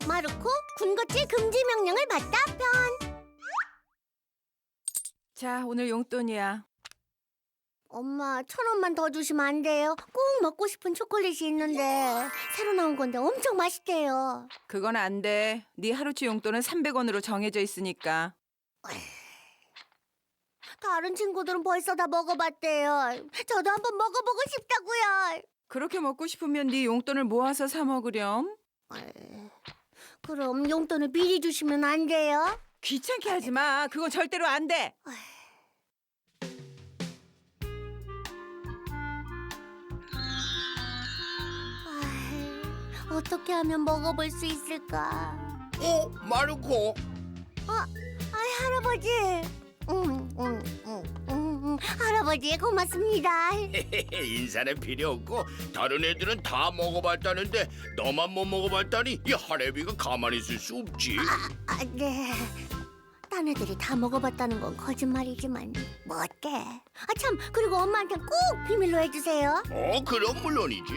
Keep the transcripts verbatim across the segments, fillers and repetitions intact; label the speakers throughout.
Speaker 1: 마르코 군것질 금지 명령을 받다 편.
Speaker 2: 자, 오늘 용돈이야.
Speaker 1: 엄마, 천 원만 더 주시면 안 돼요? 꼭 먹고 싶은 초콜릿이 있는데 새로 나온 건데 엄청 맛있대요.
Speaker 2: 그건 안 돼. 네 하루치 용돈은 삼백 원으로 정해져 있으니까.
Speaker 1: 다른 친구들은 벌써 다 먹어봤대요. 저도 한번 먹어보고 싶다고요.
Speaker 2: 그렇게 먹고 싶으면 네 용돈을 모아서 사 먹으렴.
Speaker 1: 에이, 그럼 용돈을 미리 주시면 안 돼요?
Speaker 2: 귀찮게 하지 마. 그건 절대로 안 돼.
Speaker 1: 아이, 어떻게 하면 먹어볼 수 있을까?
Speaker 3: 어, 마르코.
Speaker 1: 아이, 할아버지. 음, 음, 음, 음, 음, 할아버지 고맙습니다.
Speaker 3: 인사는 필요 없고 다른 애들은 다 먹어봤다는데 너만 못 먹어봤다니 이 할애비가 가만히 있을 수 없지.
Speaker 1: 아, 네. 딴 애들이 다 먹어봤다는 건 거짓말이지만 뭐 어때? 아, 참, 그리고 엄마한테 꼭 비밀로 해주세요.
Speaker 3: 어, 그럼 물론이지.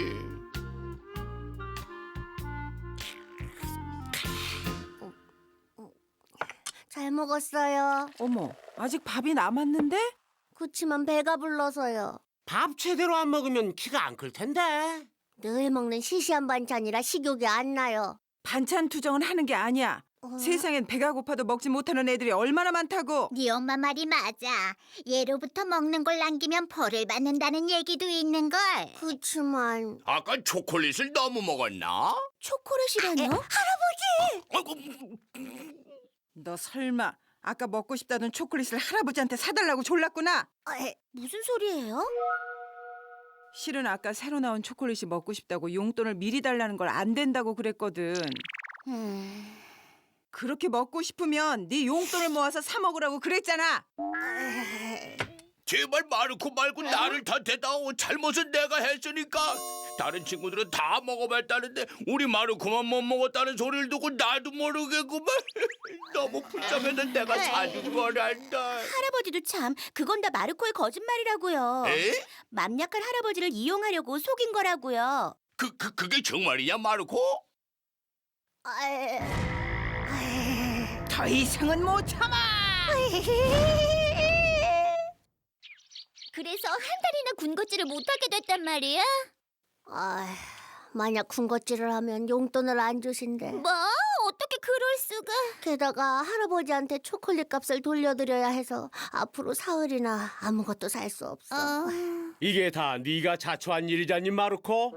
Speaker 1: 잘 먹었어요.
Speaker 2: 어머, 아직 밥이 남았는데?
Speaker 1: 그치만 배가 불러서요.
Speaker 4: 밥 제대로 안 먹으면 키가 안 클 텐데.
Speaker 1: 늘 먹는 시시한 반찬이라 식욕이 안 나요.
Speaker 2: 반찬 투정은 하는 게 아니야.
Speaker 1: 어.
Speaker 2: 세상엔 배가 고파도 먹지 못하는 애들이 얼마나 많다고.
Speaker 5: 네 엄마 말이 맞아. 예로부터 먹는 걸 남기면 벌을 받는다는 얘기도 있는걸.
Speaker 1: 그치만
Speaker 3: 아까 초콜릿을 너무 먹었나?
Speaker 1: 초콜릿이라뇨?
Speaker 3: 아이고,
Speaker 2: 너 설마 아까 먹고 싶다던 초콜릿을 할아버지한테 사달라고 졸랐구나?
Speaker 1: 에, 무슨 소리예요?
Speaker 2: 실은 아까 새로 나온 초콜릿이 먹고 싶다고 용돈을 미리 달라는 걸 안 된다고 그랬거든.
Speaker 1: 음,
Speaker 2: 그렇게 먹고 싶으면 네 용돈을 모아서 사 먹으라고 그랬잖아.
Speaker 1: 에이,
Speaker 3: 제발 마르코 말고 나를 탓해다오. 잘못은 내가 했으니까. 다른 친구들은 다 먹어봤다는데 우리 마르코만 못 먹었다는 소리를 듣고 나도 모르겠구만. 너무 불쌍해서 내가 사준 거란다.
Speaker 5: 할아버지도 참, 그건 다 마르코의 거짓말이라고요.
Speaker 3: 에?
Speaker 5: 맘 약한 할아버지를 이용하려고 속인 거라고요.
Speaker 3: 그, 그, 그게 정말이냐, 마르코?
Speaker 1: 에이, 에이.
Speaker 2: 더 이상은 못 참아.
Speaker 5: 그래서 한 달이나 군것질을 못하게 됐단 말이야?
Speaker 1: 아, 만약 군것질을 하면 용돈을 안 주신대.
Speaker 5: 뭐? 어떻게 그럴 수가?
Speaker 1: 게다가 할아버지한테 초콜릿 값을 돌려드려야 해서 앞으로 사흘이나 아무것도 살 수 없어.
Speaker 5: 어...
Speaker 4: 이게 다 네가 자초한 일이잖니, 마르코?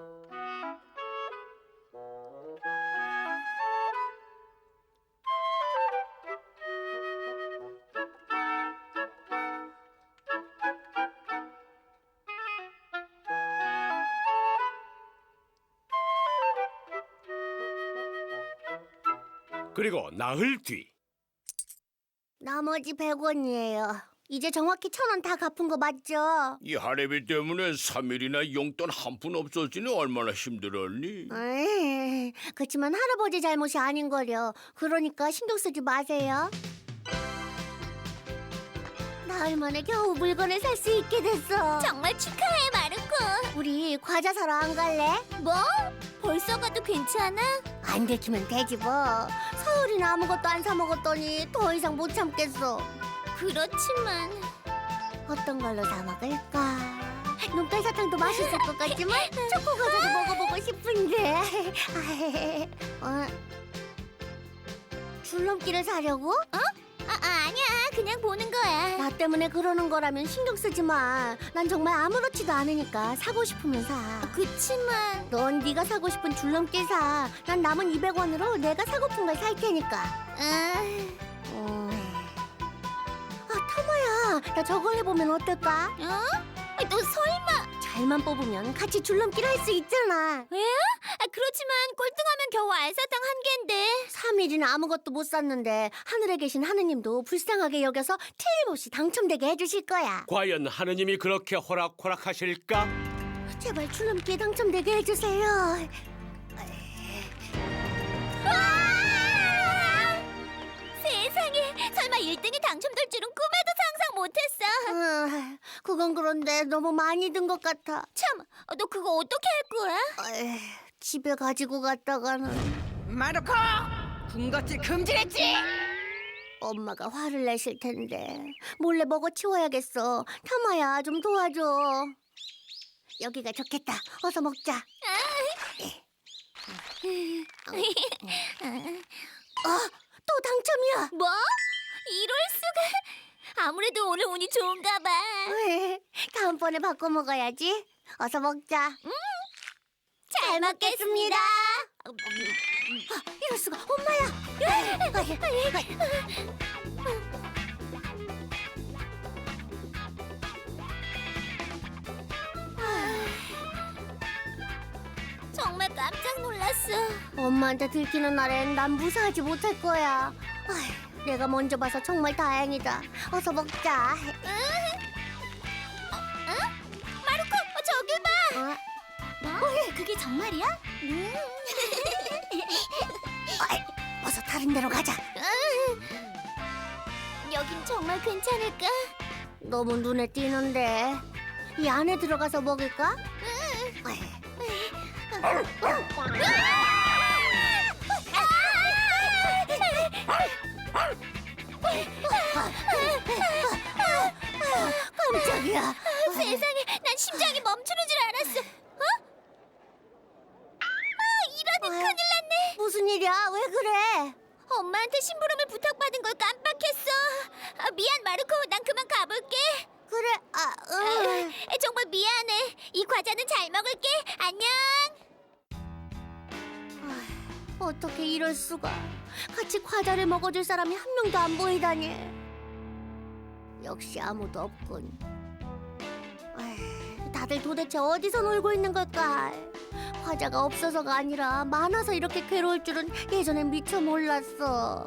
Speaker 4: 그리고 나흘 뒤.
Speaker 1: 나머지 백 원이에요. 이제 정확히 천 원 다 갚은 거 맞죠?
Speaker 3: 이 할애비 때문에 삼 일이나 용돈 한 푼 없었으니 얼마나 힘들었니?
Speaker 1: 에이, 그치만 할아버지 잘못이 아닌 거려. 그러니까 신경 쓰지 마세요. 나흘 만에 겨우 물건을 살 수 있게 됐어.
Speaker 5: 정말 축하해, 마르코.
Speaker 1: 우리 과자 사러 안 갈래?
Speaker 5: 뭐? 벌써 가도 괜찮아?
Speaker 1: 안 들키면 되지 뭐. 사흘이나 아무것도 안 사 먹었더니 더 이상 못 참겠어.
Speaker 5: 그렇지만...
Speaker 1: 어떤 걸로 사 먹을까? 눈깔 사탕도 맛있을 것 같지만 초코 과자도 먹어보고 싶은데. 어? 줄넘기를 사려고?
Speaker 5: 아, 아, 아니야. 그냥 보는 거야.
Speaker 1: 나 때문에 그러는 거라면 신경 쓰지 마. 난 정말 아무렇지도 않으니까 사고 싶으면 사.
Speaker 5: 그치만...
Speaker 1: 넌 네가 사고 싶은 줄넘기 사. 난 남은 이백 원으로 내가 사고픈 걸 살 테니까.
Speaker 5: 아...
Speaker 1: 어... 아, 터머야. 나 저걸 해보면 어떨까?
Speaker 5: 어? 너 설마...
Speaker 1: 잘만 뽑으면 같이 줄넘기를 할 수 있잖아.
Speaker 5: 왜? 아, 그렇지만 꼴등하면 겨우 알사탕 한 개인데.
Speaker 1: 삼 일이나 아무것도 못 샀는데 하늘에 계신 하느님도 불쌍하게 여겨서 틀림없이 당첨되게 해주실 거야.
Speaker 4: 과연 하느님이 그렇게 호락호락하실까?
Speaker 1: 제발 줄넘기에 당첨되게 해주세요.
Speaker 5: 세상에, 설마 일 등이 당첨될 줄은 꿈에도 상상 못했어.
Speaker 1: 아, 그건 그런데 너무 많이 든 것 같아.
Speaker 5: 참, 너 그거 어떻게 할 거야?
Speaker 1: 에이, 집에 가지고 갔다가는.
Speaker 2: 마르코!
Speaker 6: 군것질 금지했지.
Speaker 1: 엄마가 화를 내실 텐데 몰래 먹어 치워야겠어. 타마야, 좀 도와줘. 여기가 좋겠다. 어서 먹자. 어, 또 당첨이야.
Speaker 5: 뭐? 이럴 수가? 아무래도 오늘 운이 좋은가 봐.
Speaker 1: 왜? 다음번에 바꿔 먹어야지. 어서 먹자.
Speaker 5: 잘 먹겠습니다.
Speaker 1: 아, 이럴 수가. 엄마야.
Speaker 5: 정말 깜짝 놀랐어.
Speaker 1: 엄마한테 들키는 날엔 난 무사하지 못할 거야. 아휴, 내가 먼저 봐서 정말 다행이다. 어서 먹자.
Speaker 5: 마르코, 어, 저기 봐.
Speaker 1: 어?
Speaker 5: 뭐? 그게 정말이야?
Speaker 1: 어이, 어서 다른 데로 가자.
Speaker 5: 여긴 정말 괜찮을까?
Speaker 1: 너무 눈에 띄는데. 이 안에 들어가서 먹을까? 어이. 깜짝이야.
Speaker 5: 세상에, 난 심장이 멈추는 줄 알았어. 어? 아, 이러니 큰일 났네.
Speaker 1: 무슨 일이야? 왜 그래?
Speaker 5: 엄마한테 심부름을 부탁받은 걸 깜빡했어. 아, 미안, 마르코. 난 그만 가볼게.
Speaker 1: 그래. 아, 응.
Speaker 5: 아, 정말 미안해. 이 과자는 잘 먹을게. 안녕.
Speaker 1: 어떻게 이럴 수가? 같이 과자를 먹어줄 사람이 한 명도 안 보이다니. 역시 아무도 없군. 에이, 다들 도대체 어디서 놀고 있는 걸까? 과자가 없어서가 아니라 많아서 이렇게 괴로울 줄은 예전엔 미처 몰랐어.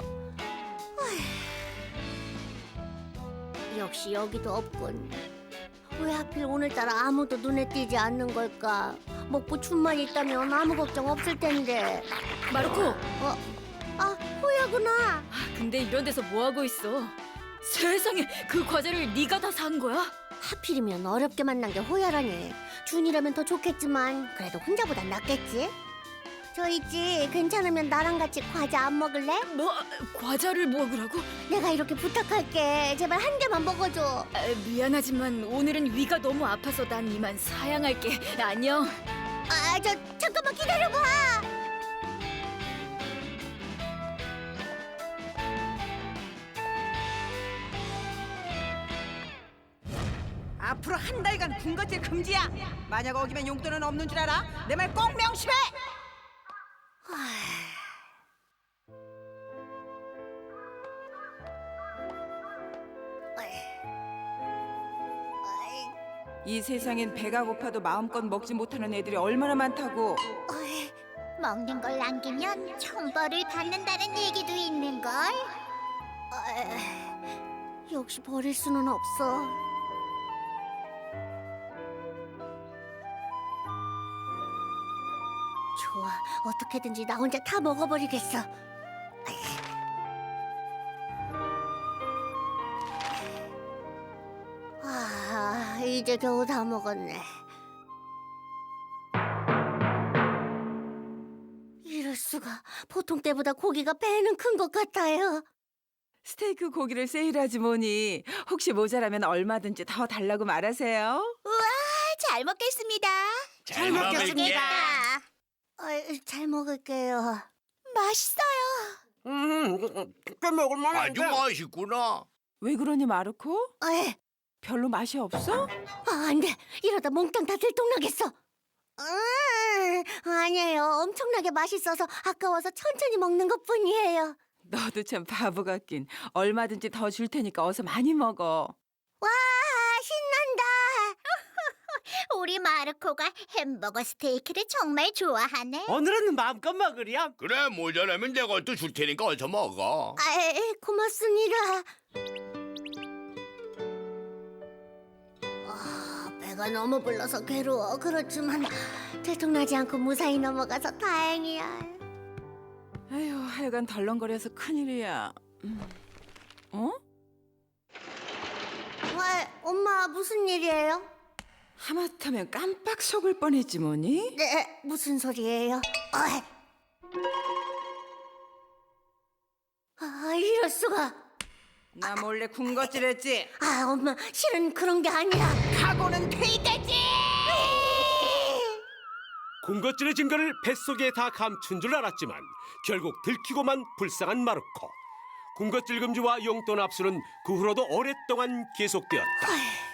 Speaker 1: 에이, 역시 여기도 없군. 왜 하필 오늘따라 아무도 눈에 띄지 않는 걸까? 먹고 춤만 있다면 아무 걱정 없을 텐데.
Speaker 6: 마르코,
Speaker 1: 어? 아, 호야구나.
Speaker 6: 근데 이런 데서 뭐 하고 있어? 세상에, 그 과자를 네가 다 산 거야?
Speaker 1: 하필이면 어렵게 만난 게 호야라니. 준이라면 더 좋겠지만 그래도 혼자보단 낫겠지? 저 있지, 괜찮으면 나랑 같이 과자 안 먹을래?
Speaker 6: 뭐, 과자를 먹으라고?
Speaker 1: 내가 이렇게 부탁할게. 제발 한 개만 먹어줘.
Speaker 6: 아, 미안하지만 오늘은 위가 너무 아파서 난 이만 사양할게. 안녕.
Speaker 1: 아, 저 잠깐만 기다려봐.
Speaker 2: 앞으로 한 달간 군것질 금지야. 만약 어기면 용돈은 없는 줄 알아? 내 말 꼭 명심해. 이 세상엔 배가 고파도 마음껏 먹지 못하는 애들이 얼마나 많다고.
Speaker 1: 어이,
Speaker 5: 먹는 걸 남기면 천벌을 받는다는 얘기도 있는걸.
Speaker 1: 어이, 역시 버릴 수는 없어. 좋아, 어떻게든지 나 혼자 다 먹어버리겠어. 아, 이제 겨우 다 먹었네. 이럴 수가. 보통 때보다 고기가 배는 큰 것 같아요.
Speaker 2: 스테이크 고기를 세일하지 뭐니. 혹시 모자라면 얼마든지 더 달라고 말하세요.
Speaker 5: 잘 먹겠습니다.
Speaker 3: 잘 먹겠습니다.
Speaker 1: 어이, 잘 먹을게요.
Speaker 5: 맛있어요.
Speaker 4: 음, 꽤 먹을 만한데.
Speaker 3: 아주 맛있구나.
Speaker 2: 왜 그러니 마르코?
Speaker 1: 어이,
Speaker 2: 별로 맛이 없어?
Speaker 1: 아, 안 돼. 이러다 몽땅 다 들통나겠어. 음, 아니에요. 엄청나게 맛있어서 아까워서 천천히 먹는 것뿐이에요.
Speaker 2: 너도 참 바보 같긴. 얼마든지 더 줄 테니까 어서 많이 먹어.
Speaker 1: 와, 신난다.
Speaker 5: 우리 마르코가 햄버거 스테이크를 정말 좋아하네.
Speaker 4: 오늘은 마음껏 먹으렴.
Speaker 3: 그래 모자라면 내가 또 줄 테니까 어서 먹어.
Speaker 1: 아이, 고맙습니다. 아, 배가 너무 불러서 괴로워. 그렇지만 들통나지 않고 무사히 넘어가서 다행이야.
Speaker 2: 아휴, 하여간 덜렁거려서 큰일이야. 음. 어?
Speaker 1: 와, 엄마 무슨 일이에요?
Speaker 2: 하마터면 깜빡 속을 뻔했지 뭐니?
Speaker 1: 네, 무슨 소리예요? 어이. 수가?
Speaker 2: 나 몰래 군것질했지.
Speaker 1: 아, 엄마, 실은 그런 게 아니라.
Speaker 2: 각오는 돼 있다지.
Speaker 4: 군것질의 증거를 뱃속에 다 감춘 줄 알았지만 결국 들키고만 불쌍한 마르코. 군것질 금지와 용돈 압수는 그 후로도 오랫동안 계속되었다.